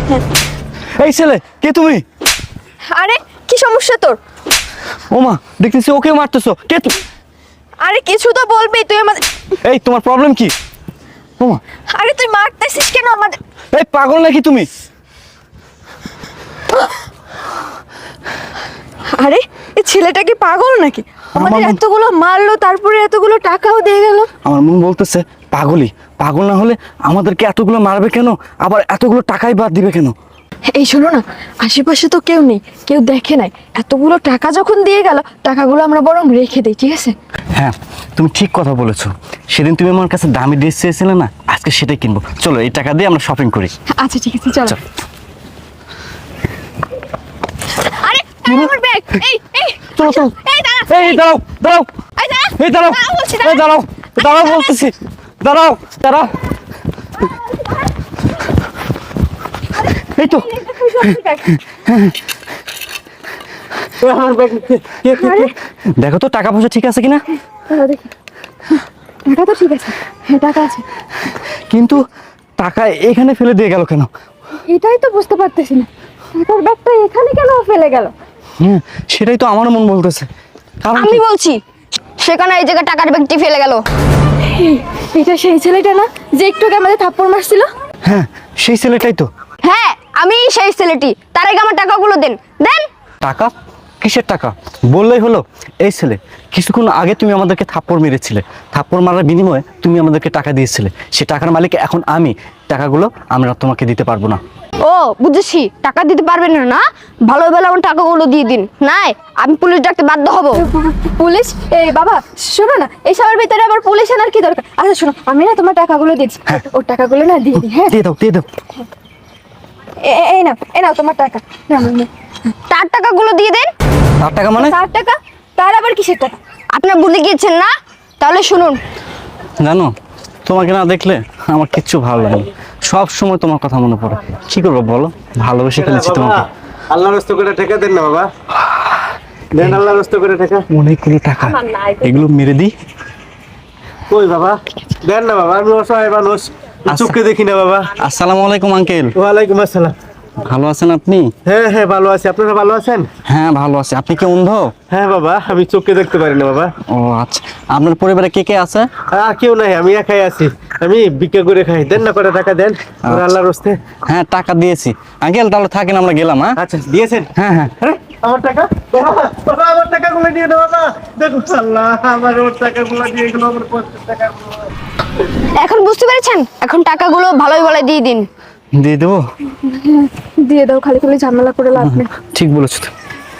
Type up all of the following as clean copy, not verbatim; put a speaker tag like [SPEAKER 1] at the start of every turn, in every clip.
[SPEAKER 1] এই ছেলে কে তুমি?
[SPEAKER 2] আরে কি সমস্যা তোর?
[SPEAKER 1] ওমা দেখতেছি ওকে মারতেছো, কে তুমি?
[SPEAKER 2] আরে কিছু তো বলবি তুই আমাদের।
[SPEAKER 1] এই তোমার প্রবলেম কি? ওমা
[SPEAKER 2] আরে তুই মারতেছিস কেন আমাদের?
[SPEAKER 1] এই পাগল নাকি তুমি?
[SPEAKER 2] আরে এই ছেলেটা কি পাগল নাকি? আমাদের এতগুলো মারলো, তারপরে এতগুলো টাকাও দিয়ে গেল।
[SPEAKER 1] আমার মন বলতেছে পাগলই। পাগল না হলে আমাদেরকে এতগুলো মারবে কেন, আবার এতগুলো টাকাই বাদ দিবে কেন?
[SPEAKER 2] এই শোনো না, আশেপাশে তো কেউ নেই, কেউ দেখে নাই, এতগুলো টাকা যখন দিয়ে গেল টাকাগুলো আমরা বরং রেখে দিই, ঠিক আছে?
[SPEAKER 1] হ্যাঁ তুমি ঠিক কথা বলেছো। সেদিন তুমি আমার কাছে দামি ড্রেস চেয়েছিলে না, আজকে সেটাই কিনবো। চলো এই টাকা দিয়ে আমরা শপিং করি।
[SPEAKER 2] আচ্ছা ঠিক আছে, চলো। আরে আমার ব্যাগ। এই
[SPEAKER 1] চলো চলো।
[SPEAKER 2] এই দাঁড়া।
[SPEAKER 1] এই দাঁড়াও দাঁড়াও।
[SPEAKER 2] এই দাঁড়া।
[SPEAKER 1] এই দাঁড়াও।
[SPEAKER 2] দাঁড়াও বলছি,
[SPEAKER 1] এই দাঁড়াও দাঁড়াও বলতেছি। দাঁড়াও দাঁড়াও। এই তো আমার ব্যাগ। দেখো তো টাকা পয়সা ঠিক আছে কিনা।
[SPEAKER 2] দেখি টাকা তো ঠিক আছে, হ্যাঁ টাকা আছে,
[SPEAKER 1] কিন্তু টাকা এখানে ফেলে দিয়ে গেল কেন?
[SPEAKER 2] এটাই তো বুঝতে পারতেছি না, টাকার ব্যাগটা এখানে কেন ফেলে গেল?
[SPEAKER 1] হ্যাঁ সেটাই তো আমারও মন বলতেছে। কারণ
[SPEAKER 3] আমি বলছি সেখানে এই জায়গায় টাকার ব্যাগটি ফেলে গেল।
[SPEAKER 2] এটা সেই ছেলেটা না যে একটু আগে আমাদের থাপ্পড় মারছিল?
[SPEAKER 1] হ্যাঁ সেই ছেলেটাই তো।
[SPEAKER 3] হ্যাঁ আমি সেই ছেলেটি, তার আগে আমার টাকাগুলো দেন।
[SPEAKER 1] টাকা? কিসের টাকা? বললেই হলো। এই ছেলে কিছুক্ষণ আগে তুমি আমাদেরকে থাপ্পড় মেরেছিলে, থাপ্পড় মারার বিনিময়ে তুমি আমাদেরকে টাকা দিয়েছিলে। সে টাকার মালিক এখন আমি। টাকাগুলো আমরা তোমাকে দিতে পারবো না।
[SPEAKER 3] ও বুঝেছি, টাকা দিতে পারবেন না না, ভালো ভালো আমার টাকাগুলো দিয়ে দিন, নাই আমি পুলিশ ডাকতে বাধ্য হব।
[SPEAKER 2] পুলিশ? এই বাবা শোনো না, এই সবার ভিতরে আবার পুলিশ আনার কি দরকার? আচ্ছা শোনো, আমি না তোমার টাকাগুলো দিচ্ছি, ওর টাকাগুলো না দিয়ে দিই। হ্যাঁ
[SPEAKER 1] দিয়ে দাও দিয়ে দাও।
[SPEAKER 2] এই নাও তোমার টাকা।
[SPEAKER 3] তার টাকাগুলো দিয়ে দেন।
[SPEAKER 1] তার টাকা মানে?
[SPEAKER 2] তার টাকা? তার আবার কিসের টাকা?
[SPEAKER 3] আপনার ভুলে গিয়েছেন না? তাহলে শুনুন।
[SPEAKER 1] জানো তোমাকে না দেখলে আমার কিচ্ছু ভালো লাগে না, সব সময় তোমার কথা মনে পড়ে। কি করবো বলো, ভালোবেসে ফেলেছি তোমাকে।
[SPEAKER 4] আল্লাহর রাস্তা করে টাকা দেন না বাবা, দেন আল্লাহর রাস্তা করে টাকা।
[SPEAKER 1] অনেকগুলো টাকা, এগুলো মেরে দিই।
[SPEAKER 4] কই বাবা দেন না বাবা, আমি অসহায় মানুষ, চোখকে দেখি না বাবা।
[SPEAKER 1] আসসালামু আলাইকুম আঙ্কেল।
[SPEAKER 4] ওয়ালাইকুম আসসালাম।
[SPEAKER 1] ভালো আছেন আপনি?
[SPEAKER 4] হ্যাঁ হ্যাঁ ভালো আছি, আপনারা ভালো আছেন?
[SPEAKER 1] হ্যাঁ ভালো আছি। আপনি কি অন্ধ?
[SPEAKER 4] হ্যাঁ বাবা, আমি চোখকে দেখতে পারি না বাবা।
[SPEAKER 1] ও আচ্ছা। আপনার পরিবারে কে কে আছে?
[SPEAKER 4] আর কেউ নাই, আমি একাই আছি, আমি ভিক্ষা করে খাই। দেন না করে টাকা দেন আল্লাহর রাস্তে।
[SPEAKER 1] হ্যাঁ টাকা দিয়েছি আঙ্কেল, তাহলে থাকেন, আমরা গেলাম। হ্যাঁ
[SPEAKER 4] আচ্ছা দিয়েছেন?
[SPEAKER 1] হ্যাঁ হ্যাঁ।
[SPEAKER 4] আরে আমার টাকা বাবা, বাবা আমার টাকাগুলো দিয়ে দাও বাবা। দেখো আল্লাহ, আমার ওর টাকাগুলো দিয়ে গেল, আমার 50 টাকা।
[SPEAKER 3] এখন বুঝতে পেরেছেন? এখন টাকাগুলো ভালোই ভালো দিয়ে দিন।
[SPEAKER 1] দিয়ে দেবো?
[SPEAKER 2] দিয়ে দাও, খালি খালি ঝামেলা করে লাভ নেই।
[SPEAKER 1] ঠিক বলেছো তো।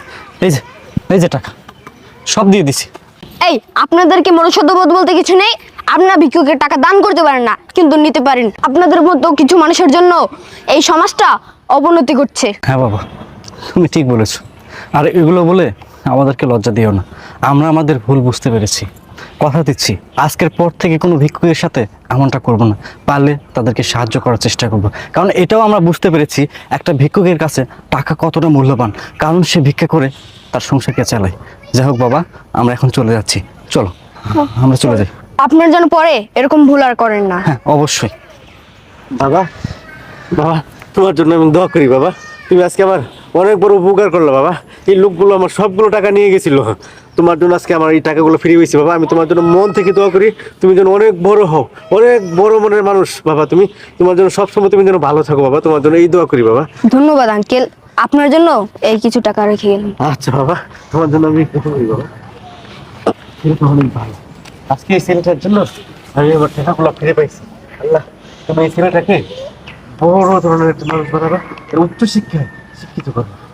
[SPEAKER 1] এই যে টাকা সব দিয়ে দিছি।
[SPEAKER 3] এই আপনাদেরকে মনুষ্যত্ববোধ বলতে কিছু নেই। আপনারা ভিক্ষুকের টাকা দান করতে পারেন না, কিন্তু নিতে পারেন। আপনাদের মতো কিছু মানুষের জন্য এই সমাজটা অবনতি করছে।
[SPEAKER 1] হ্যাঁ বাবা তুমি ঠিক বলেছো। আর এগুলো বলে আমাদেরকে লজ্জা দিও না, আমরা আমাদের ভুল বুঝতে পেরেছি। কথা দিচ্ছি আজকের পর থেকে কোনো ভিক্ষুকের সাথে এমনটা করব না, পারলে তাদেরকে সাহায্য করার চেষ্টা করব। কারণ এটাও আমরা বুঝতে পেরেছি একটা ভিক্ষুকের কাছে টাকা কতটা মূল্যবান, কারণ সে ভিক্ষা করে তার সংসারকে চালায়। যাই হোক বাবা, আমরা এখন চলে যাচ্ছি, চলো আমরা চলে যাই।
[SPEAKER 3] আপনার যেন পরে এরকম ভুল আর করেন না।
[SPEAKER 1] হ্যাঁ অবশ্যই।
[SPEAKER 4] বাবা বাবা তোমার জন্য আমি দোয়া করি বাবা, তুমি আজকে আমার অনেক বড় উপকার করলো বাবা। এই লোকগুলো আমার সবগুলো টাকা নিয়ে গেছিল, তোমার জন্য আজকে আমার এই টাকাগুলো ফিরে পেয়েছি বাবা। আমি তোমার জন্য মন থেকে দোয়া করি, তুমি যেন অনেক বড় হও, অনেক বড় মনের মানুষ বাবা। তুমি তোমার জন্য সবসময় তুমি যেন ভালো থাকো বাবা, তোমার জন্য এই দোয়া করি বাবা।
[SPEAKER 3] ধন্যবাদ আঙ্কেল, আপনার জন্য এই কিছু টাকা রেখে গেলাম।
[SPEAKER 4] আচ্ছা বাবা, তোমার জন্য আমি দোয়া করি বাবা। এটা তো অনেক ভালো, আজকে এই ছেলেটার জন্য আমি আমার টাকাগুলো ফিরে পাইছি। আল্লাহ তুমি এই ছেলেটাকে বড় ধরনের একটা মানুষ বানাবা, উচ্চ শিক্ষায় শিক্ষিত করো।